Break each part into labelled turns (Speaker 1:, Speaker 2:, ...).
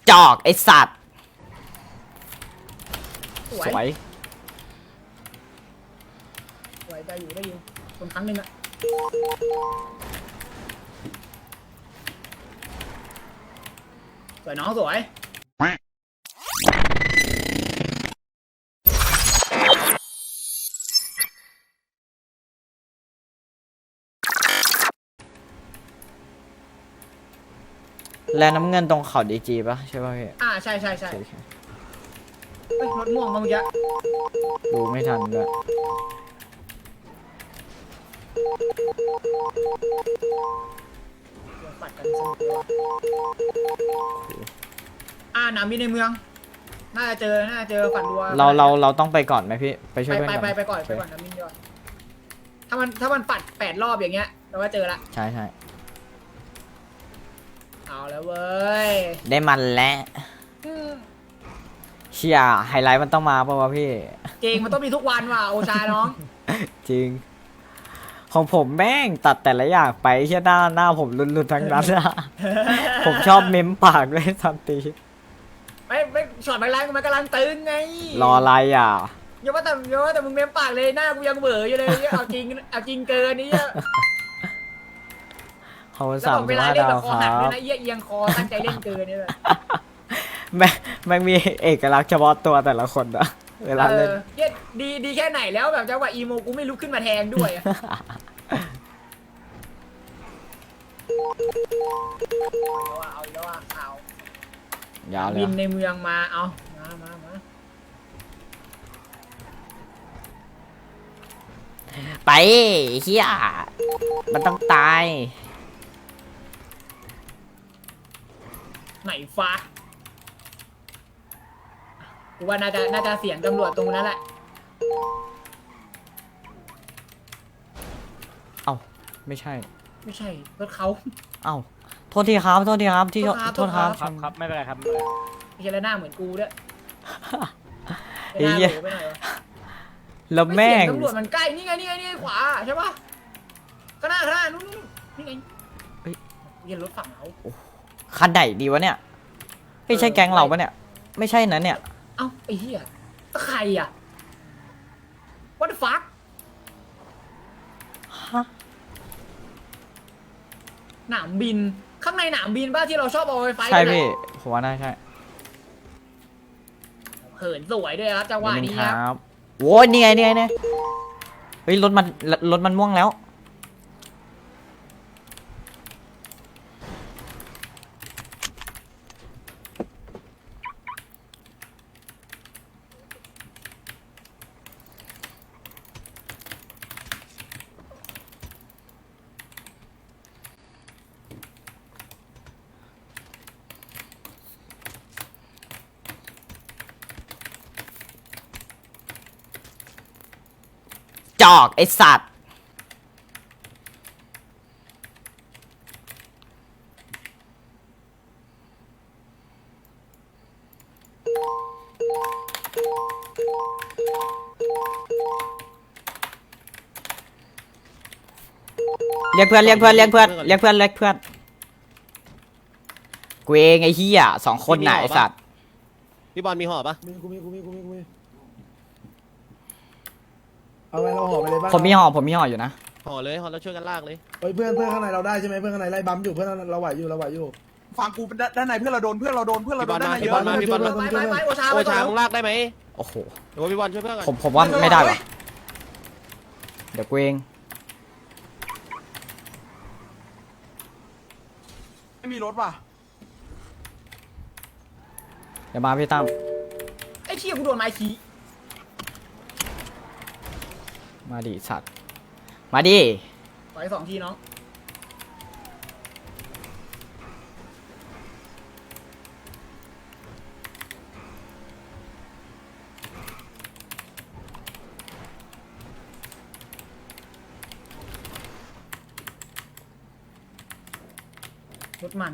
Speaker 1: จอกไอสัตว์สวย
Speaker 2: ได้อยู่คนครั้งหนึ่งอะสวยน้องสวย
Speaker 1: แลน้ำเงินตรงเขาดีจีป่ะใช่ป่ะพี่
Speaker 2: ใช่เฮ้ยรถม่วงมาเมื่อกี้
Speaker 1: ดูไม่ทันด้วย
Speaker 2: ปัดกันสนุกเลยหนามบินในเมืองน่าจะเจอฝันรัว
Speaker 1: เราต้องไปก่อนไหมพี่ไปช่วยเพื่อน
Speaker 2: ไปก่อนน้ำบินก่อนถ้ามันปัด8 รอบอย่างเงี้ยเราก็เจอละ
Speaker 1: ใช่
Speaker 2: เอาแล้วเว้ย
Speaker 1: ได้มันแล้วเชียไฮไลท์มันต้องมาป่าววะพี่
Speaker 2: จริงมันต้องมีทุกวันว่ะโอชาน้อง
Speaker 1: จริงของผมแม่งตัดแต่ละอย่างไปเชี่ยหน้าผมรุนๆทั้งนั้นอะผมชอบเม้มปากเลยทันที
Speaker 2: ไม่ช็อตไปแรงมันกำลังตึงไง
Speaker 1: รออะไรอ่ะ
Speaker 2: อย่าว่าแต่มึงเม้มปากเลยหน้ากูยังเบื่ออยู่เลยเอาจริงเกินนี่
Speaker 1: เขา3
Speaker 2: เวลาเล่นแบบคอหักด้วยนะเอียงคอตั้งใจเล่นเกินนี่แหละ
Speaker 1: แม่งมีเอกลักษณ์เฉพาะตัวแต่ละคนอะเวลาเล่น
Speaker 2: ดีแค่ไหนแล้วแบบจังหวะอีโมกูไม่ลุกขึ้นมาแทงด้วยเอา
Speaker 1: ยาวเลย
Speaker 2: บินในเมืองมาเอามา
Speaker 1: ไปเฮียมันต้องตาย
Speaker 2: ไหนฟ้ากูว่าน่าจะเสียงตำรวจตรงนั้นแหละ
Speaker 1: เอ้าไม่ใช่
Speaker 2: รถเขา
Speaker 1: เอ้าโทษทีครับที่โทษครับ
Speaker 3: ครับไม่เป็นไรครับ
Speaker 2: ไม่ใช่แล้วหน้าเหมือนกูด้วย
Speaker 1: เฮ้ยแล้วแม่ง
Speaker 2: ตำรวจมันใกล้นี่ไงขวาใช่ปะข้างหน้านู่นนี่ไงเรียนรถฝั่งเรา
Speaker 1: คันไหนดีวะเนี่ยไม่ใช่แก๊งเราปะเนี่ยไม่ใช่นะเนี่ย
Speaker 2: เอ้าไอ้เหี้ยใครอ่ะ What the fuck
Speaker 1: ฮะ
Speaker 2: หนามบินข้างในหนามบินป่ะที่เราชอบเอาไปไฟ
Speaker 1: ใช่พี่ผมว่าน่าใช่
Speaker 2: เหินสวยด้วยครับจังหวะนี้ครับ
Speaker 1: โว้ยนี่ไงเฮ้ยรถมันม่วงแล้วจอกไอสัตว์เรียกเพื่อนกูเองไอ้เหี้ย2 คนไหนไอสัตว์
Speaker 3: พี่บอลมีห่อปะ
Speaker 4: กูเอาไงเราห่อไปเลยบ้าง
Speaker 1: ผมมีห่ออยู่นะ
Speaker 3: ห่อเลยห่อแล้วช่วยกันลากเลย
Speaker 4: เฮ้ยเพื่อนข้างในเราได้ใช่ไหมเพื่อนข้างในไล่บัมอยู่เพื่อนเราไหวอยู่
Speaker 5: ฟังกูด้านในเพื่อนเราโดนด้านในเยอะ
Speaker 3: พี่บอล
Speaker 2: ไปโอชา
Speaker 3: มึงลากได้ไหม
Speaker 1: โอ้โห
Speaker 3: เดี๋ยวพี่บอลช่วยเพื่อนก่อน
Speaker 1: ผมว่าไม่ได้ว่ะเดี๋ยวกูเอง
Speaker 5: ไม่มีรถว่ะ
Speaker 1: เดี๋ยวมาพี่ตั้ม
Speaker 2: ไอ้เชี่ยกูโดนไม้ขี้
Speaker 1: มาดิสัตว์มาดิ
Speaker 2: ต่อย2 ทีน้องรถมัน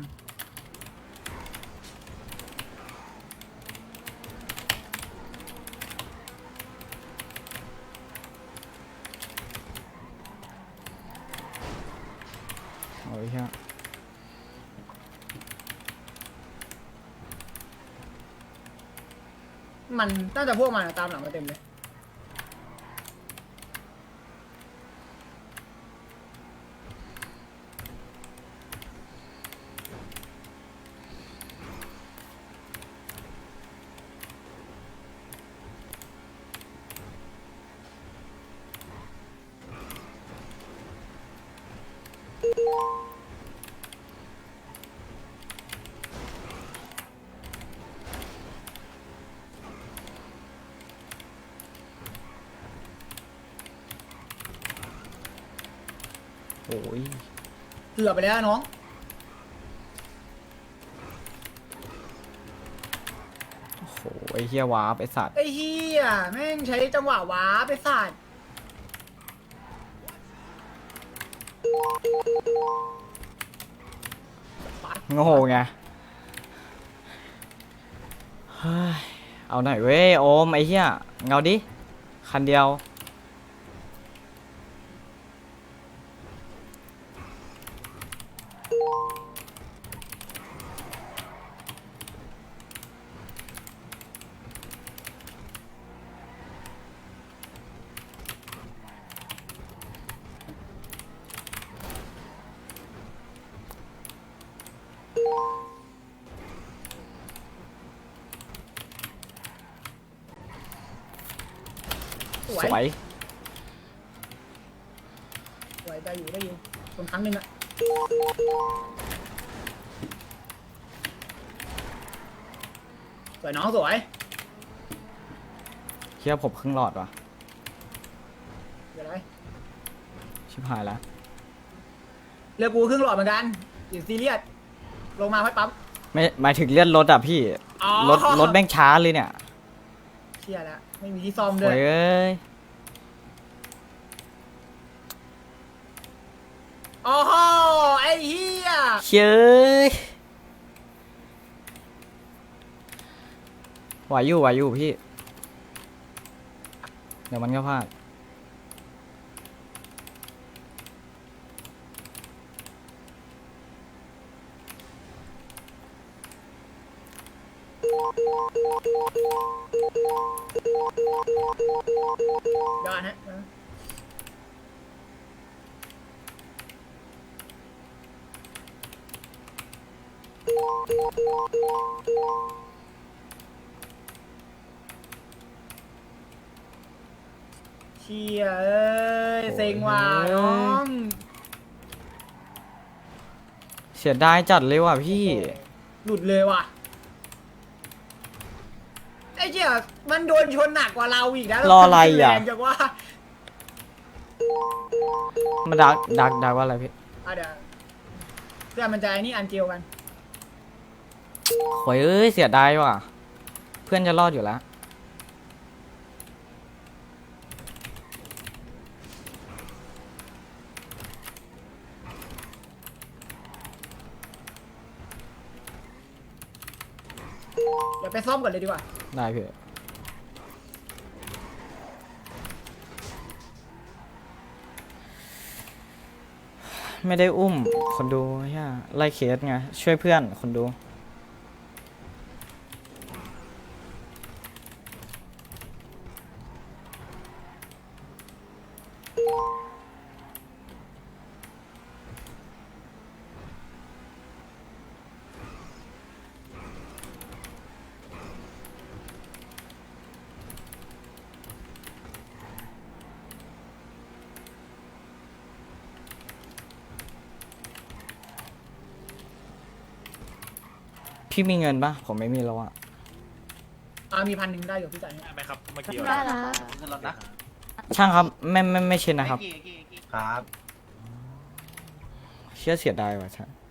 Speaker 1: โอ้ยฮะ
Speaker 2: มันน่าจะพวกมันอะตามหลังมาเต็มเลย
Speaker 1: โอ้ย
Speaker 2: เกือบไปแล้วน้อง
Speaker 1: โอ้โหไอ้เฮียวาร์ปไอ้สัตว์
Speaker 2: ไอ้เฮียแม่งใช้จังหวะว้าไปสาด
Speaker 1: โง่ไงเฮ้ยเอาหน่อยเว้ยโอมไอ้เฮียเงาดิคันเดียว
Speaker 2: ส
Speaker 1: ส
Speaker 2: ว
Speaker 1: วย ย
Speaker 2: สวยได้อยู่ได้อยู่คนครั้งหนึ่งอะสวยน้องสวย
Speaker 1: เฮียผมครึ่งหลอดว่ะ
Speaker 2: เดี๋ยวไร
Speaker 1: ชิบหายแล้ว
Speaker 2: เรือกูครึ่งหลอดเหมือนกันอย่าซีเรียสลงมาให้ปั๊ม
Speaker 1: ไม่หมายถึงเลื่อนรถอ่ะพี่
Speaker 2: อ๋อ
Speaker 1: รถแม่งช้าเลยเนี่ย
Speaker 2: เชี่ยแล้วไม่มีที่ซ่อมด้
Speaker 1: โอ้
Speaker 2: วย
Speaker 1: ยเอ้ย
Speaker 2: โอ้โหไอ้เฮีย
Speaker 1: เชยไหวอยู่พี่เดี๋ยวมันก็พลาด
Speaker 2: ยอดฮะเชี่ยเอ้ยเซ็งว่ะน้อง
Speaker 1: เสียดายจัดเลยว่ะพี่
Speaker 2: หลุดเลยว่ะไอ้เชี่ยมันโดนชนหนักกว่าเราอีกนะ
Speaker 1: รออะไรอ่ะ
Speaker 2: แรงจังว่า
Speaker 1: มาดักว่าอะไรพี่
Speaker 2: เดี๋ยวเพื่อนมันจะไอ้นี่อันเจียวกัน
Speaker 1: โอ้ยเอ้ยเสียดายว่ะ เพื่อนจะรอดอยู่แล้ว
Speaker 2: เดี๋ยวไปซ่อมก่อนเลยดีกว่า
Speaker 1: ได้พี่ ไม่ได้อุ้มคนดูใช่ไล่เคสไง ช่วยเพื่อนคนดู พี่มีเงินปะผมไม่มีแล้วอะ
Speaker 2: มี1,000ได้อยู่พี่จ่ายให้
Speaker 3: ไปครับเมื่อกี้
Speaker 6: ได้แล้ว
Speaker 5: ขึ้นรถนะ
Speaker 1: ช่างครับไม่เช่นนะครับ
Speaker 5: ครับ
Speaker 1: เชื่อเสียดายว่ะช่าง